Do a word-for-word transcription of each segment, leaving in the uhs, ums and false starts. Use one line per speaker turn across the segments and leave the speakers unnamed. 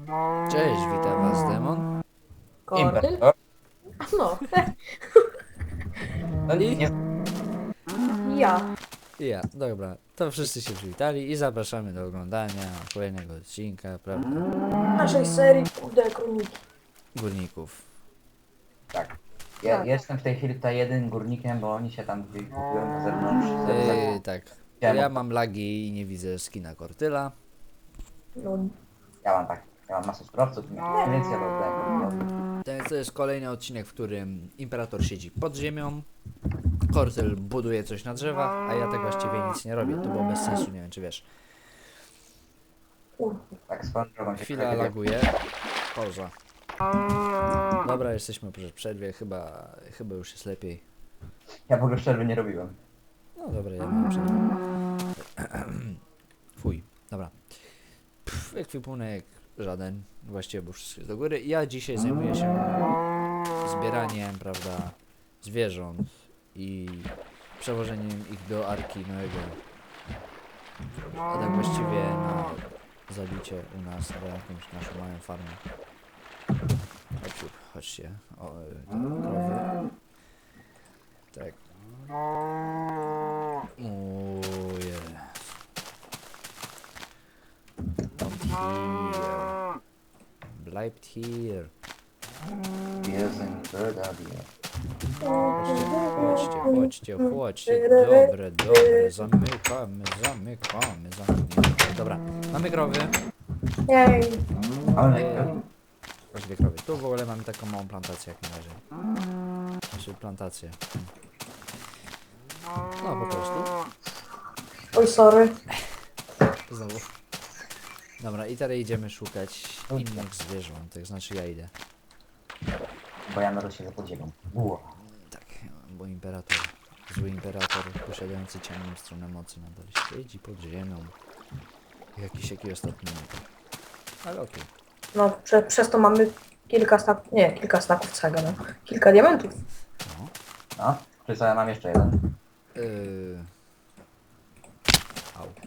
Cześć, witam was, Demon.
Kordyl?
Imperator?
No,
No
I?
nie,
ja.
I ja, dobra, to wszyscy się przywitali i zapraszamy do oglądania kolejnego odcinka, prawda,
Naszej serii Kurde Kroniki.
górników.
tak. Ja
Tak.
jestem w tej chwili tutaj jeden górnikiem, bo oni się tam gdzieś kupiłem na zewnątrz.
Yy, tak,
Chciałem
ja
od-
mam lagi i nie widzę skina Kortyla.
No,
Ja mam tak, ja mam masę surowców, nie, więc ja to oddaję Kortylowi.
To jest, to jest kolejny odcinek, w którym Imperator siedzi pod ziemią, Kortyl buduje coś na drzewach, a ja tak właściwie nic nie robię, to było bez sensu, nie wiem czy wiesz.
kurde.
Tak swoją drogą się
Chwila
trochę
laguje, pauza. Dobra, jesteśmy po przerwie, chyba, chyba już jest lepiej.
Ja w ogóle przerwy nie robiłem.
No dobra, ja mam przerwę. Fuj, dobra. Pff, ekwipunek żaden, właściwie bo wszystko jest do góry. Ja dzisiaj zajmuję się zbieraniem, prawda, zwierząt i przewożeniem ich do Arki Noego. A tak właściwie na zabicie u nas, na jakąś naszą małą farmę. Chodźcie, chodźcie. O, y, te krowy. Tak. Ojej. Kommt hier. Bleibt hier.
Wir sind Bürger,
Chodźcie, chodźcie, chodźcie. Dobre, dobre. Zamykamy, zamykamy, zamykamy. Dobra, mamy krowy.
Jej.
Ale
Eee, Dwie krowy. Tu w ogóle mamy taką małą plantację jak na razie. Znaczy plantację. No po prostu.
Oj, sorry.
Znowu. Dobra, i teraz idziemy szukać innych zwierzątek, znaczy ja idę.
bo ja narodziłem się za podziemą. Ło.
Tak, bo imperator, zły imperator posiadający ciemną stronę mocy nadal siedzi pod ziemią. Jakiś jaki ostatni minut. Ale okej.
No, prze, przez to mamy kilka staków, nie, kilka staków cega, no. Kilka diamentów.
No.
No, czy co, ja mam jeszcze jeden.
Yy... Au.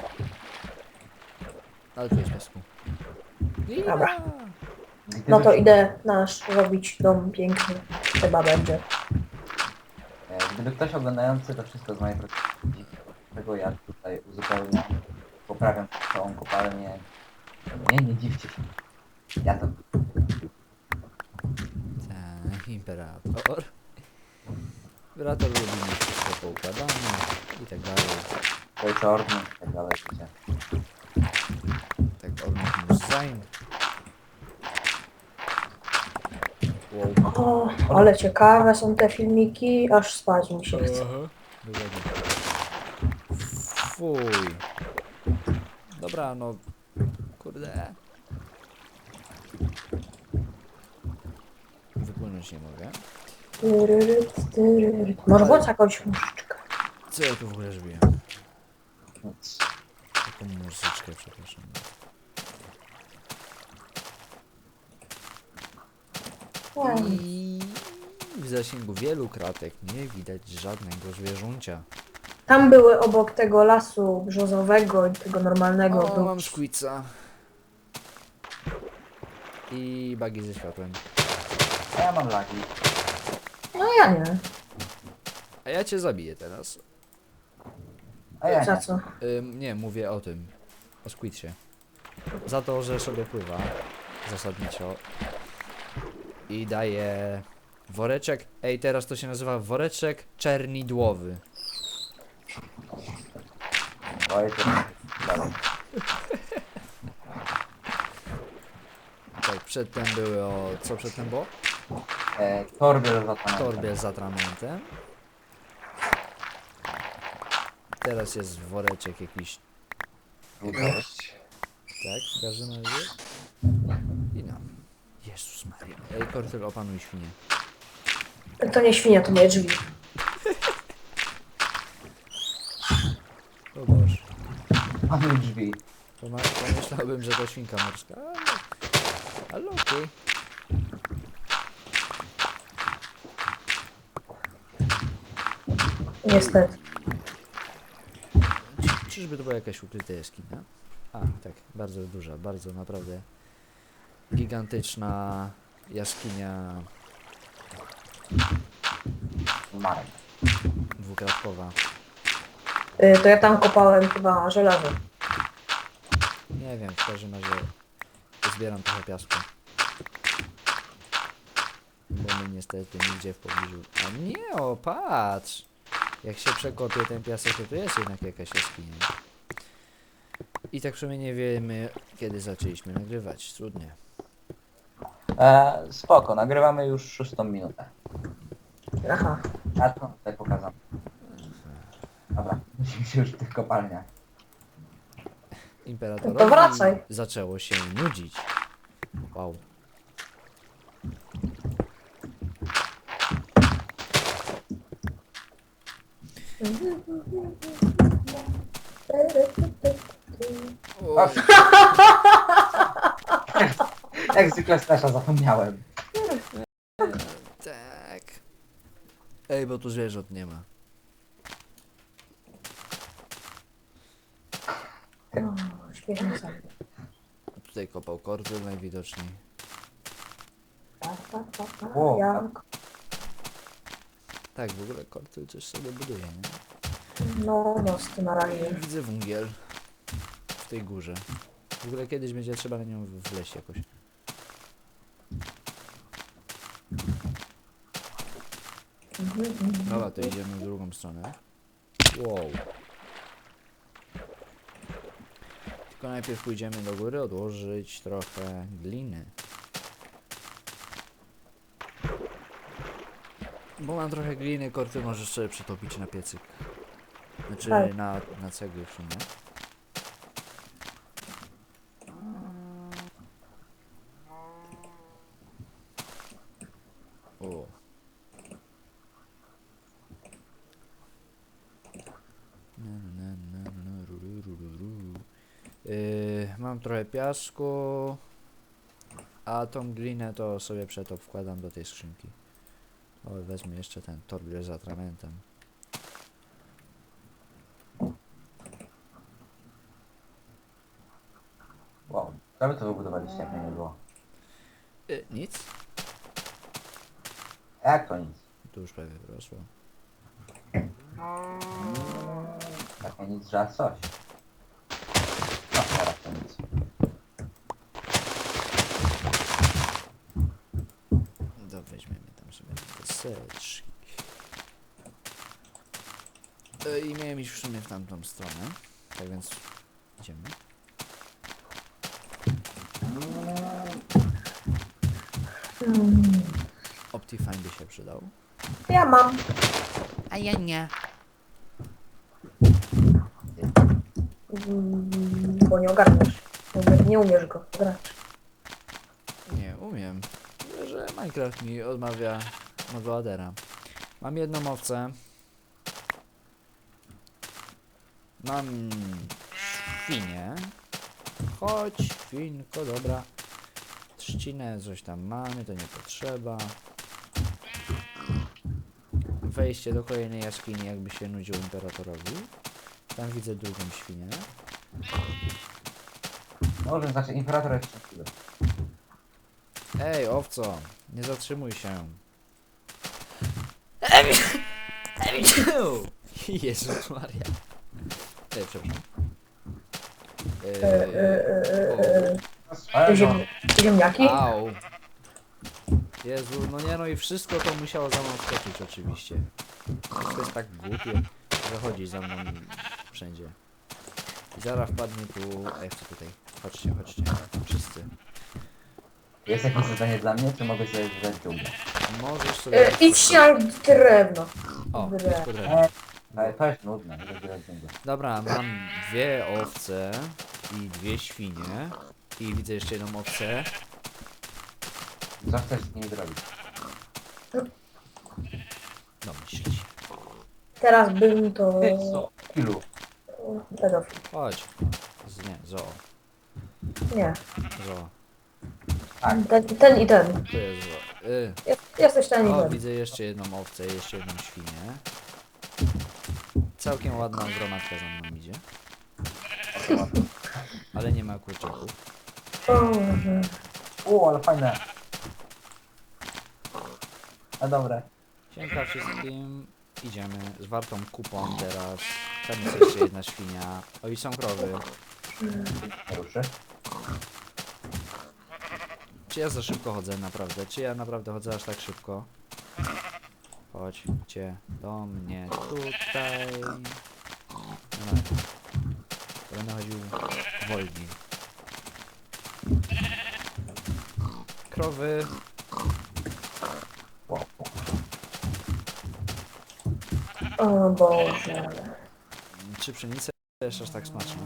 Ale tu jest piasku.
Dobra.
Gdyby
No to
się-
idę nasz robić dom piękny. Chyba będzie.
e, Gdyby ktoś oglądający to wszystko z mojej perspektywy, tego ja tutaj uzupełniam, poprawiam całą kopalnię. Nie, nie dziwcie się. Ja to
Tak, imperator. Imperator lubi mieć wszystko poukładane i tak dalej.
Ojcze Ordny i tak dalej. Wiecie.
Tak, ordentlich muss sein. Wow.
O, ale ciekawe są te filmiki, aż spać mi się chce.
Aha. Dokładnie. Fuj. Dobra, no. Kurde. Wypłynąć nie mogę.
Tyryryt, tyryryt. Może bądź jakąś muszyczkę.
Co ja tu w ogóle zrobiłem?
Nic.
Taką muzyczkę, przepraszam. I w zasięgu wielu kratek nie widać żadnego zwierzącia.
Tam były obok tego lasu brzozowego i tego normalnego.
O,
był-
mam szkwica. I bagi ze światłem.
A ja mam lagi.
No ja nie.
A ja cię zabiję teraz.
A ja
Za
nie.
co?
Ym, nie, mówię o tym. O Squidsie. Za to, że sobie pływa. Zasadniczo. I daje woreczek. Ej, teraz to się nazywa woreczek czernidłowy.
Ojcze dalej.
Tak, przedtem były o... Co przedtem było?
E, torby rozlatane.
Torbie z atramentem. Teraz jest woreczek jakiś.
Cześć.
Tak, w każdym razie. I no. Jezus Maria. Ej, Kortyl, opanuj świnie.
To nie świnia, to moje drzwi.
O Boże.
Mamy drzwi.
Poma- Pomyślałbym, że to świnka morska, ale... Ale okej.
Niestety.
Czy- Czyżby to była jakaś ukryta jaskinia? A, tak, bardzo duża, bardzo naprawdę gigantyczna jaskinia
Marek.
dwukratkowa.
Y, to ja tam kopałem chyba żelazo.
Nie wiem, w każdym razie zbieram trochę piasku. Bo my niestety nigdzie w pobliżu... A nie, o patrz! Jak się przekopie ten piasek, to tu jest jednak jakaś jaskinia. I tak w sumie nie wiemy, kiedy zaczęliśmy nagrywać. Trudnie.
E, spoko, nagrywamy już szóstą minutę.
Aha.
A to tutaj pokazam. Dobra, musimy się już w tych kopalniach.
Imperatorowi
To wracaj.
zaczęło się nudzić. Wow.
O, jak zwykle Stasza zapomniałem.
Tak. Ej, bo tu zwierząt nie ma.
No, śmiesznie sobie.
Tutaj kopał kortyl najwidoczniej.
Pa, pa, pa, pa,
O,
jak?
Tak, w ogóle kortyl coś sobie buduje, nie?
No, no, z tym na razie.
Widzę węgiel w tej górze. W ogóle kiedyś będzie trzeba na nią wleźć jakoś.
Mhm, mhm.
Dobra, to idziemy w drugą stronę. Wow. Tylko najpierw pójdziemy do góry odłożyć trochę gliny. Bo mam trochę gliny, korty możesz sobie przetopić na piecyk. Znaczy
Tak.
na, na cegły w sumie. O. Na, na, na, na, na, ru, ru, ru, ru, ru. Yy, mam trochę piasku, a tą glinę to sobie przetop wkładam do tej skrzynki. O, wezmę jeszcze ten torbę z atramentem.
Wow, co wy to wybudowaliście, jak mnie nie było?
Yy, nic?
Jak to nic?
Tu już prawie wyrosło.
Jak nie nic, że aż coś. No, teraz to nic.
To weźmiemy tam sobie deseczki. Yy, I miałem iść w sumie w tamtą stronę. Tak więc idziemy.
Hmm.
Optifine by się przydał.
Ja mam.
A ja nie.
Mm, Bo nie ogarniesz. Nie umie- Nie umiesz go grać.
Nie, umiem. Tyle, że Minecraft mi odmawia modladera. Mam jedną owcę. Mam świnię. Chodź, świnko, dobra. Trzcinę, coś tam mamy, to nie potrzeba. Wejście do kolejnej jaskini, jakby się nudził imperatorowi. Tam widzę drugą świnię.
Może znaczy imperator jest szczęśliwy.
Ej, owco, nie zatrzymuj się. Jezus Maria. Ej, przepraszam.
E, e, e, e, e.
Ale
Ziem,
no,
ziemniaki?
Au. Jezu, no nie no i wszystko to musiało za mną wskoczyć oczywiście. To jest tak głupie, że chodzi za mną wszędzie. I zaraz wpadnie tu... Ej, chcę tutaj. Chodźcie, chodźcie. Wszyscy.
jest jakieś zadanie dla mnie, czy mogę sobie wydać długo?
Możesz sobie...
E, idź na drewno.
O,
Bre.
jest drewno.
E, ale to jest nudne, żeby wydać długo.
Dobra, mam dwie owce i dwie świnie. I widzę jeszcze jedną owcę.
Co chcesz z nimi zrobić?
Domyśl się.
Teraz bym to...
Ty co? Ilu?
Pedofil.
Chodź. Z, nie, zoo.
Nie.
Zoo.
Tak.
Ten, ten i ten.
Tu jest zoo. Y.
Jest, jesteś ten i
O,
ten.
widzę jeszcze jedną owcę, jeszcze jedną świnię. Całkiem ładna gromadka za mną idzie. Ale nie ma kurczaków.
O, Boże.
O, ale fajne. A dobre.
Siemka wszystkim. Idziemy z wartą kupą teraz. Tam jest jeszcze jedna świnia. O, i są krowy.
Nie ruszy.
Czy ja za szybko chodzę naprawdę? Czy ja naprawdę chodzę aż tak szybko? Chodźcie do mnie tutaj. No, to będę chodził wolniej. Krowy.
Wow.
O Boże.
Czy pszenica jest aż tak smaczna?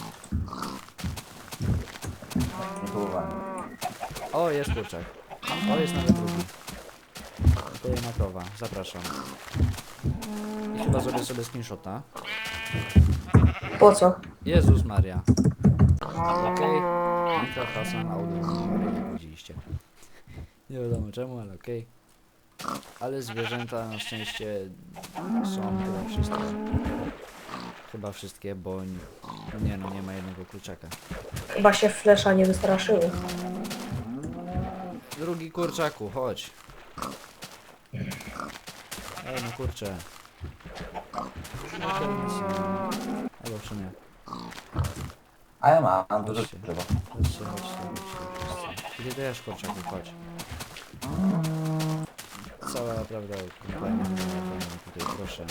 Nie próbowałem.
O, jest kurczak. O, jest nawet drugi. Kolejna krowa. Zapraszam. I chyba zrobię sobie screenshota.
Po co?
Jezus Maria. Okej. Minecraft Hasan Audio, jak widzieliście. Nie wiadomo czemu, ale okej. Ale zwierzęta na szczęście są chyba wszystkie. Chyba wszystkie, bo nie, nie no, nie ma jednego kurczaka.
Chyba się flesza nie wystraszyły.
Drugi kurczaku, chodź. Ej, no kurczę. Albo w sumie.
A ja mam, mam dużo
Chodźcie.
drzewa.
Chodźcie, chodźcie, chodźcie wszyscy. Idę też kurczaku, chodź. Cała, prawda, kompania tutaj, proszę.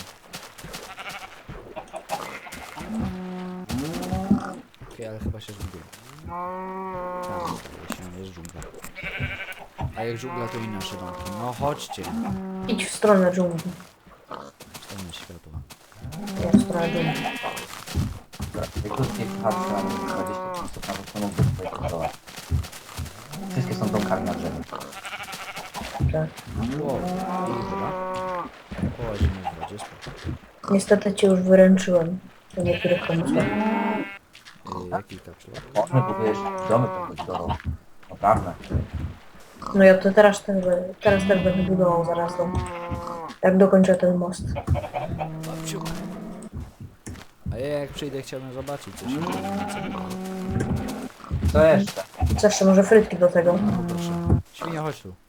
Okej, ale chyba się zgubię. Tam, się jest dżungla. A jak dżungla, to i nasze domki. No chodźcie.
Idź w stronę dżungli.
Stanie światła.
Nie, w stronę dżungli.
Jak krótkie patrzę, mam dwadzieścia pięć stóp na to mógłby tutaj kontrolować. Wszystkie są domkami na drzewie.
Tak.
Wow, i chyba. Połazimy w wodzie, spoko.
Niestety cię już wyręczyłem do niektórych pomysłów.
Yy, jaki kapsułek?
Można budujesz domy tak do naprawdę.
No ja to teraz, ten, teraz też będę budował zaraz dom. Jak dokończę ten most.
Babciu. A ja jak przyjdę, chciałbym zobaczyć, co się dzieje na całym dole.
Co jeszcze?
Co jeszcze, może frytki do tego?
O, proszę. Świnia, chodź tu.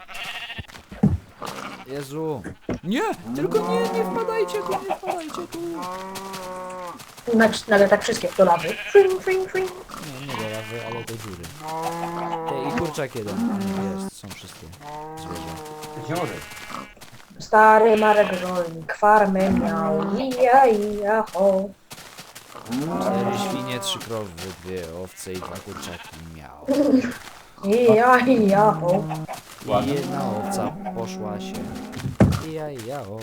Jezu. Nie! Tylko nie, nie wpadajcie tu, nie wpadajcie tu.
Nagle, nagle tak wszystkie do lawy. Fring, fring, fring.
Nie, nie do lawy, ale do dziury. Ej, i kurczak jeden. Nie, jest, są wszystkie zwierzę.
Dziury.
Stary Marek rolnik farmę miał. Ija, ija, ho.
Cztery świnie, trzy krowy, dwie owce i dwa kurczaki miał.
Ija, ija, ho.
I jedna owca poszła się. Ija, ija, o.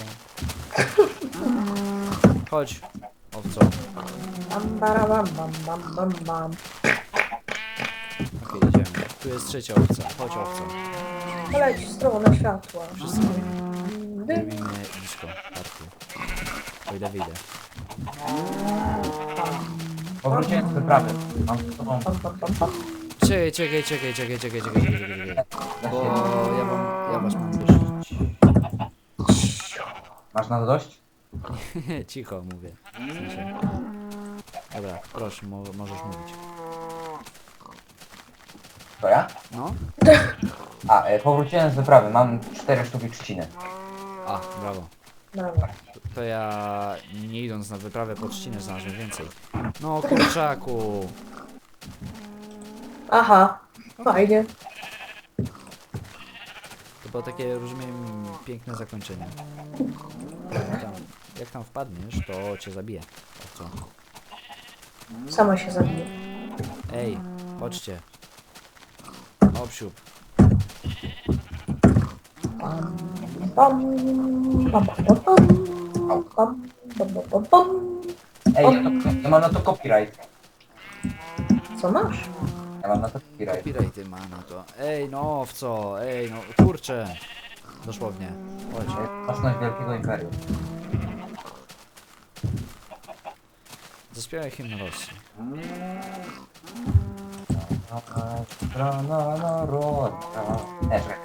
Chodź, owco.
Bam, bara, bam, bam, bam, bam, bam.
Okej, idziemy. Tu jest trzecia owca. Chodź, owca.
Poleć w stronę światła.
Wszyscy robimy disco party. O ile wyjdę.
Powróciłem z wyprawy. Mam z tobą
Pam, pam, pam, pam.
Czekaj, czekaj, czekaj, czekaj, czekaj, czekaj, czekaj, czekaj, czekaj. Bo ja wam, ja was mam prosić.
Masz na to dość?
Cicho mówię. W sensie. Dobra, proszę, mo możesz mówić.
To ja?
No?
A, e, powróciłem z wyprawy. Mam cztery sztuki trzciny.
A, brawo.
Dobra.
To ja, nie idąc na wyprawę po trzcinę, znalazłem więcej. No, kurczaku.
Aha, fajnie.
To było takie, rozumiem, piękne zakończenie. Jak tam, jak tam wpadniesz, to cię zabije. O co?
Sama się zabije.
Ej, chodźcie. Obsiup.
Pam, pam, pam, pam, pam, pam, pam, pam, pam, pam.
Ej, ja, to, ja mam na to copyright.
Co masz?
Ja mam na to copyright.
Copyrighty ma na to. Ej, no, w co? Ej, no, kurczę. Dosłownie. Chodź.
Własność wielkiego imperium.
Zaśpiewaj hymn Rosji.
Strona narodna. Nie, czekaj.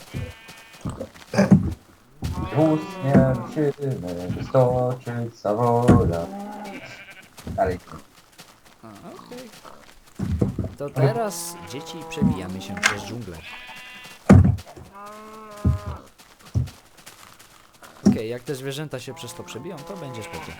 Wóz śmiercimy wystoczyć zawola. Dalej.
A, okej. To teraz, dzieci, przebijamy się przez dżunglę. Okej, jak te zwierzęta się przez to przebiją, to będzie spokój.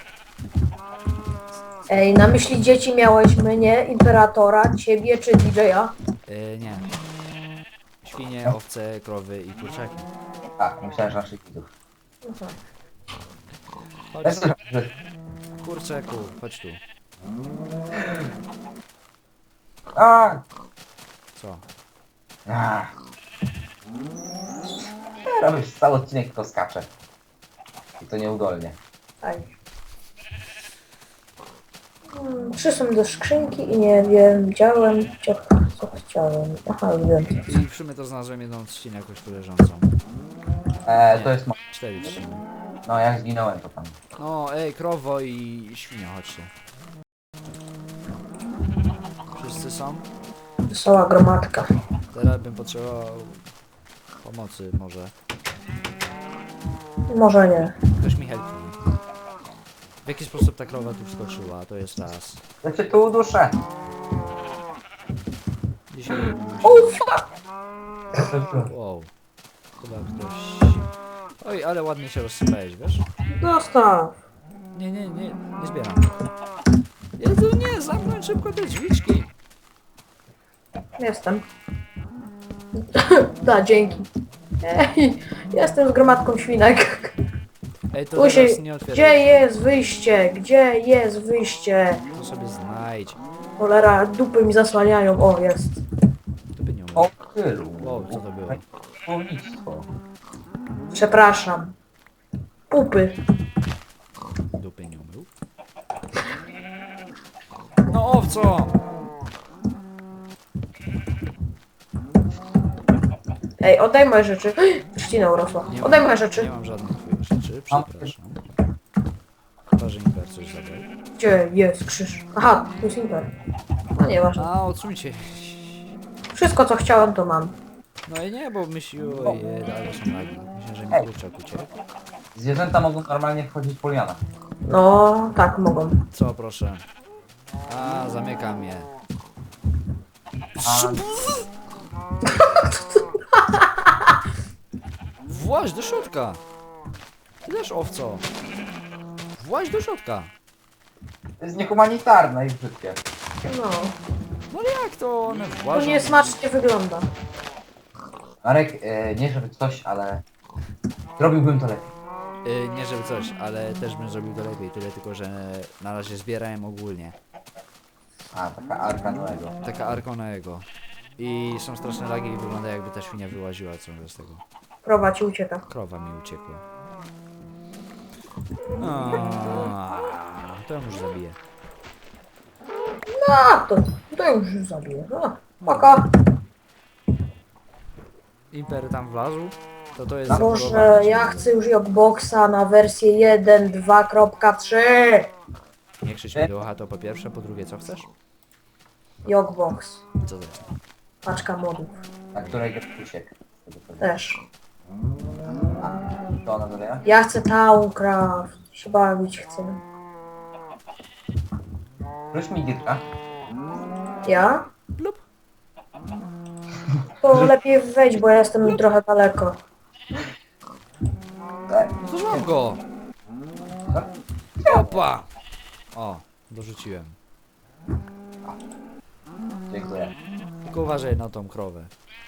Ej, na myśli dzieci miałeś mnie, Imperatora, ciebie czy D J a?
Yy, nie. Świnie, owce, krowy i kurczaki.
A, myślałem, że naszych widzów.
Mhm.
Chodź,
Ja słyszę, że...
kurczaku, chodź tu.
A!
Co?
A! Robisz cały odcinek, tylko skacze. I to nieudolnie.
Tak. Hmm, Przyszłem do skrzynki i nie wiem, widziałem, co, co chciałem. Aha, wiem.
I w sumie to znalazłem jedną trzcinę jakoś tu leżącą.
E,
Nie.
to jest... mo-
Cztery trzciny.
No, jak zginąłem, to tam.
No, ej, krowo i świnio, chodźcie. Wszyscy są?
Wesoła gromadka.
Teraz bym potrzebował pomocy może.
Może nie.
Ktoś mi helpnie. W jaki sposób ta krowa tu wskoczyła? To jest raz.
Ja cię tu uduszę.
Dzisiaj...
O, fuck!
Wow. Chyba ktoś... Oj, ale ładnie się rozsypałeś, wiesz?
Dostaw.
Nie, nie, nie, nie zbieram. Jezu, nie, zamknąć szybko te drzwiczki.
Jestem. Da, dzięki. Ej, jestem z gromadką świnek.
Ej, to
Usiej,
teraz nie otwieraj.
gdzie jest wyjście? Gdzie jest wyjście?
To sobie znajdź.
Cholera, dupy mi zasłaniają. O, jest.
To by nie
O,
umiał.
tylu.
Wow, co to było?
Słownictwo.
Przepraszam. Pupy.
Dupy nie umył. No owco!
Ej, oddaj moje rzeczy. Trzcina urosła.
Nie
Oddaj
mam-
moje
Nie
rzeczy.
mam żadnych twoich rzeczy, przepraszam. Chyba, że Imper coś zabrał.
Gdzie jest krzyż? Aha, tu jest Imper. No nieważne.
A, odsuńcie.
Wszystko co chciałem to mam.
No i nie, bo myślił, ojej, ale są lagi. Myślę, że mi
Ej.
kurczak uciekł.
Zwierzęta mogą normalnie wchodzić po lianach.
No, tak mogą.
Co, proszę? A, zamykam je.
A
Właź do środka! Ty też, owco! Właź do środka!
to jest niehumanitarne i brzydkie.
No,
No ale jak to one
to
włażą?
niesmacznie wygląda.
Marek, e, nie żeby coś, ale zrobiłbym to lepiej.
Y, nie żeby coś, ale też bym zrobił to lepiej. Tyle tylko, że na razie zbierałem ogólnie.
A, taka arka Noego.
Taka arka Noego. I są straszne lagi i wygląda jakby ta świnia wyłaziła ciągle z tego.
Prowadź i ucieka.
Krowa mi uciekła. A, to ją już zabiję.
No, to, to już zabiję. No, paka.
Imper tam wlazł? To to jest
Boże,
zabudowane
ja
ciągle.
chcę już Jogboxa na wersję jeden dwa kropka trzy.
Nie krzycz mi do ucha, to po pierwsze, po drugie co chcesz?
Jogbox.
Co to jest?
Paczka modów.
Na której get uciekł.
Też.
A, to ona doleja?
Ja chcę Towncraft. Się bawić chcę.
Wróć mi gitka.
Ja?
Blup.
To lepiej wejść, bo ja jestem trochę daleko.
Tak.
No to złam go! Opa! O, dorzuciłem.
Dziękuję.
Tylko uważaj na tą krowę.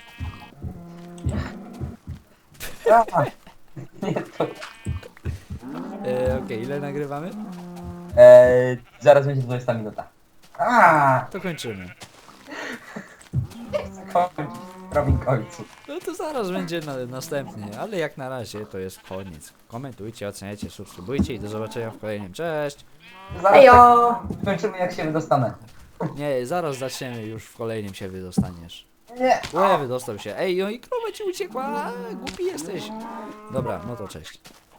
A, nie to.
E, Okej, ile nagrywamy?
E, zaraz będzie dwudziesta minuta. A,
To kończymy.
kończyć w prawym końcu.
No to zaraz będzie na, następnie, ale jak na razie to jest koniec. Komentujcie, oceniajcie, subskrybujcie i do zobaczenia w kolejnym. Cześć!
Zaraz
Ejo!
tak kończymy jak się wydostanę.
Nie, zaraz zaczniemy, już w kolejnym się wydostaniesz.
Nie.
Łe, wydostał się. Ej, no i krowa ci uciekła, a, głupi jesteś. Dobra, no to cześć.